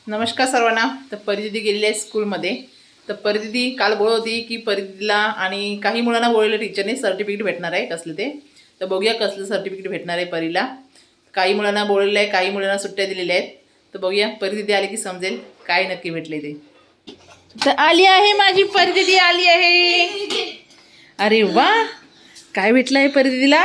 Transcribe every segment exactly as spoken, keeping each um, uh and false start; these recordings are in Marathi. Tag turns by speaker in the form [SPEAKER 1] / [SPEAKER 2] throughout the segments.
[SPEAKER 1] नमस्कार सर्वांना. तर परिदिदी गेलेली आहे स्कूलमध्ये. तर परिदिदी काल बोलत होती की परिदिदीला आणि काही मुलांना बोललेलं टीचरने सर्टिफिकेट भेटणार आहे कसलं ते. तर बघूया कसलं सर्टिफिकेट भेटणार आहे परीला. काही मुलांना बोललेलं आहे, काही मुलांना सुट्ट्या दिलेल्या आहेत. तर बघूया परिदिदी आली की समजेल काय नक्की भेटले ते. तर आली आहे माझी परिदिदी, आली आहे. अरे वा, काय भेटलं आहे परिदिदीला?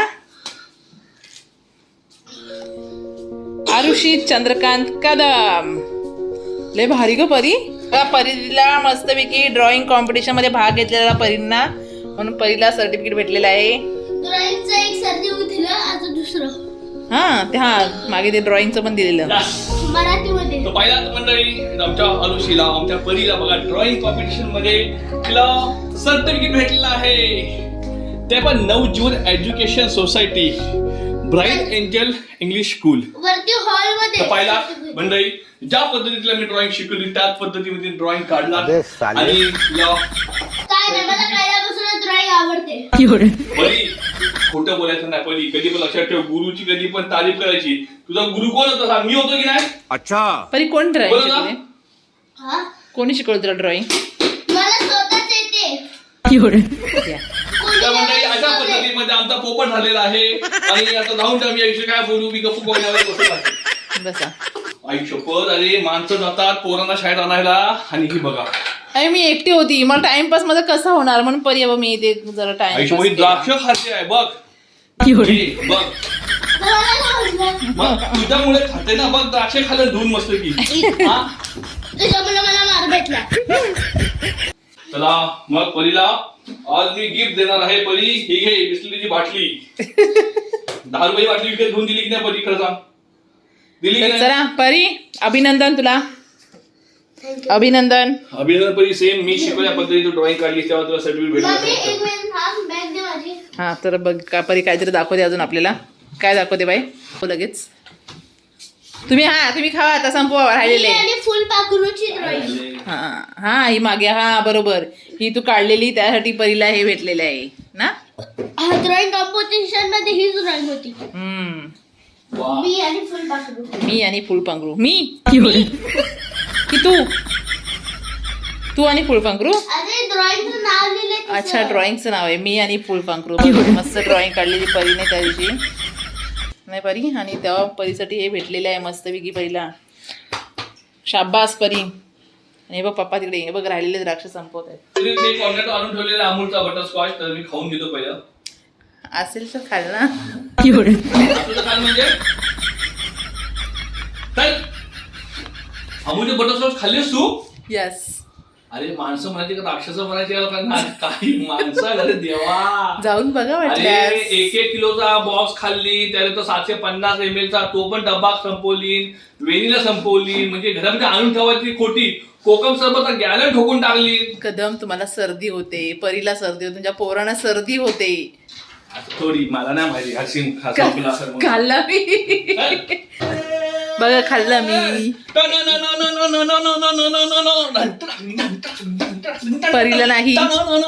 [SPEAKER 1] आरुषी चंद्रकांत कदम. लय भारी ग परी. परिला मस्तपैकी ड्रॉइंग कॉम्पिटिशन मध्ये भाग घेतलेला परींना, म्हणून परीला सर्टिफिकेट भेटलेलं आहे.
[SPEAKER 2] ड्रॉइंगचं एक सर्टिफिकेट दिलं, आता दुसरं.
[SPEAKER 1] हा ते हा मागे ते ड्रॉइंगचं पण दिलेलं
[SPEAKER 2] मराठीमध्ये.
[SPEAKER 3] तो पहिला मंडळी आमच्या आरुषीला, आमच्या परीला बघा ड्रॉइंग कॉम्पिटिशन मध्ये तिला सर्टिफिकेट भेटलेलं आहे. ते पण Navjeevan education society bright angel English school
[SPEAKER 2] वरती हॉल मध्ये.
[SPEAKER 3] पहिला मंडळी ज्या पद्धतीला मी ड्रॉइंग शिकवली त्याच पद्धतीमध्ये ड्रॉइंग काढला आणि
[SPEAKER 2] काय नाही, मला पहिल्यापासून ड्रॉइंग आवडते.
[SPEAKER 3] परी खोटं बोलायचं नाही. परी कधी पण लक्षात ठेव, गुरुची कधी पण तारीफ करायची. तुझा गुरु कोण होता सांग? मी होतो की नाही?
[SPEAKER 4] अच्छा.
[SPEAKER 1] परी कोण ड्रॉइंग
[SPEAKER 3] बोला ना.
[SPEAKER 1] शिकवले?
[SPEAKER 2] हा,
[SPEAKER 1] कोणी शिकवलं तुला ड्रॉइंग?
[SPEAKER 2] मला स्वतःच येते.
[SPEAKER 3] त्या मंडळी अशा पद्धतीमध्ये आमचा पोपट झालेला आहे. आणि आता जाऊन त्या मी याविषयी काय बोलू, मी गप्पू बोलण्यावर बसत आहे.
[SPEAKER 1] बसा.
[SPEAKER 3] आई शपथ, अरे माणसं जातात पोरांना शाळेत आणायला आणि ही बघा
[SPEAKER 1] अरे मी एकटी होती, मला टाइमपास माझा कसा होणार म्हणून परी अब मी ते जरा
[SPEAKER 3] आई शपथ
[SPEAKER 1] टाइम
[SPEAKER 3] द्राक्ष खाते आहे बघ. हे बघ
[SPEAKER 2] मला नाही आवडलं.
[SPEAKER 3] मग तुझ्यामुळे खाते ना, बघ द्राक्ष खाल्लं धुवून मस्त की.
[SPEAKER 2] तुझ्यामुळे मला मार भेटला.
[SPEAKER 3] चला मग परीला आज मी गिफ्ट देणार आहे. परी ही घे बिस्लरीची बाटली. दहा रुपयाची बाटली विकत घेऊन दिली की नाही परी? खरं सांग, दिली की
[SPEAKER 1] तर
[SPEAKER 3] नाही?
[SPEAKER 1] चला परी, अभिनंदन तुला, अभिनंदन.
[SPEAKER 3] अभिनंदन परी. सेम मी शिकवल्या पद्धतीने ड्रॉइंग काढली तेव्हा तुला सर्टिफिकेट
[SPEAKER 2] मम्मी एक
[SPEAKER 3] भेटलं.
[SPEAKER 2] मिनिट थांब, बॅग दे माझी.
[SPEAKER 1] हा तर बघ का परी काहीतरी दाखवते अजून आपल्याला. काय दाखवते बाई? हो लगेच तुम्ही हा तुम्ही खावा आता, संपवा राहिलेले.
[SPEAKER 2] आणि फुल पाखरूची ड्रॉइंग.
[SPEAKER 1] हा हा ही मागे, हा बरोबर, ही तू काढलेली त्यासाठी परीला हे भेटलेलं आहे ना.
[SPEAKER 2] हा ड्रॉइंग कॉम्पिटिशन मध्ये हीच ड्रॉइंग होती.
[SPEAKER 1] हम्म.
[SPEAKER 3] वा.
[SPEAKER 2] मी आणि फुल पाखरू.
[SPEAKER 1] मी आणि फुलपांखरू. मी की तू तू आणि फुलपांखरू.
[SPEAKER 2] अरे ड्रॉइंगचं नाव लिहिलंय.
[SPEAKER 1] अच्छा, ड्रॉइंगचं नाव आहे मी आणि फुलपांखरू. मस्त ड्रॉइंग काढलेली परीने त्या दिवशी नाही परी, आणि तेव्हा परीसाठी हे भेटलेलं आहे मस्तपैकी परीला. शाबास परी. आणि हे बघ पप्पा तिकडे, हे बघ राहिलेले द्राक्ष संपवत आहेत.
[SPEAKER 3] तरी ते कॉर्नेट आणून ठेवलेला अमूलचा बटरस्कॉच, तर मी खाऊन घेतो पहिलं.
[SPEAKER 1] असेल तर खाल ना.
[SPEAKER 3] तुझं काय म्हणजे काय अमूलचे बटरस्कॉच खाल्लेस तू?
[SPEAKER 1] यस.
[SPEAKER 3] अरे माणसं म्हणायची का राक्षस म्हणायची का? काही माणसं अरे देवा.
[SPEAKER 1] जाऊन बघा
[SPEAKER 3] अरे
[SPEAKER 1] वाटल्यास.
[SPEAKER 3] एक एक किलोचा बॉक्स खाल्ली, त्याने तो सातशे पन्नास एम एल चा तो पण डब्बा संपवली, वेणीला संपवली. म्हणजे घरामध्ये आणून ठेवायची खोटी. कोकम सरबत गॅलन ठोकून टाकली.
[SPEAKER 1] कदम तुम्हाला सर्दी होते, परीला सर्दी होते, तुमच्या पोरांना सर्दी होते.
[SPEAKER 3] थोडी मला नाही माहिती. हसीन हसून असं म्हणून.
[SPEAKER 1] खाल्ला मी. बघा खाल्ला मी. परीला नाही.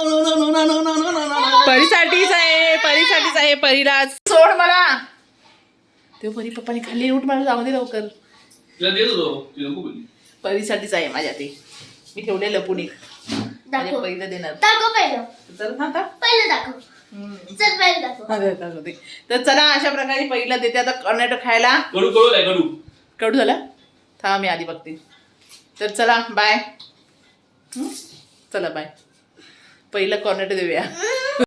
[SPEAKER 1] परीसाठीच आहे, परीसाठीच आहे. परीला सोड मला. ते परी पप्पाने खाल्ली, उठ मला जाऊ दे लवकर.
[SPEAKER 3] तिला देत होतो, ती नको बोलली.
[SPEAKER 1] परीसाठीच आहे माझ्या ते. मी ठेवले लपून एक. आणि
[SPEAKER 2] दाखव.
[SPEAKER 1] परीला देणार.
[SPEAKER 2] दाखव पहिलं.
[SPEAKER 1] तर ना आता
[SPEAKER 2] पहिलं दाखव. चल पहिलं दाखव.
[SPEAKER 1] हा, देतात होते. तर चला अशा प्रकारे पहिला देते आता कर्नाटक खायला.
[SPEAKER 3] कडू कडू आहे कडू.
[SPEAKER 1] कडू झाला. थांब मी आधी बघते. तर चला बाय. चला बाय. पहिलं कॉर्नेट देऊया.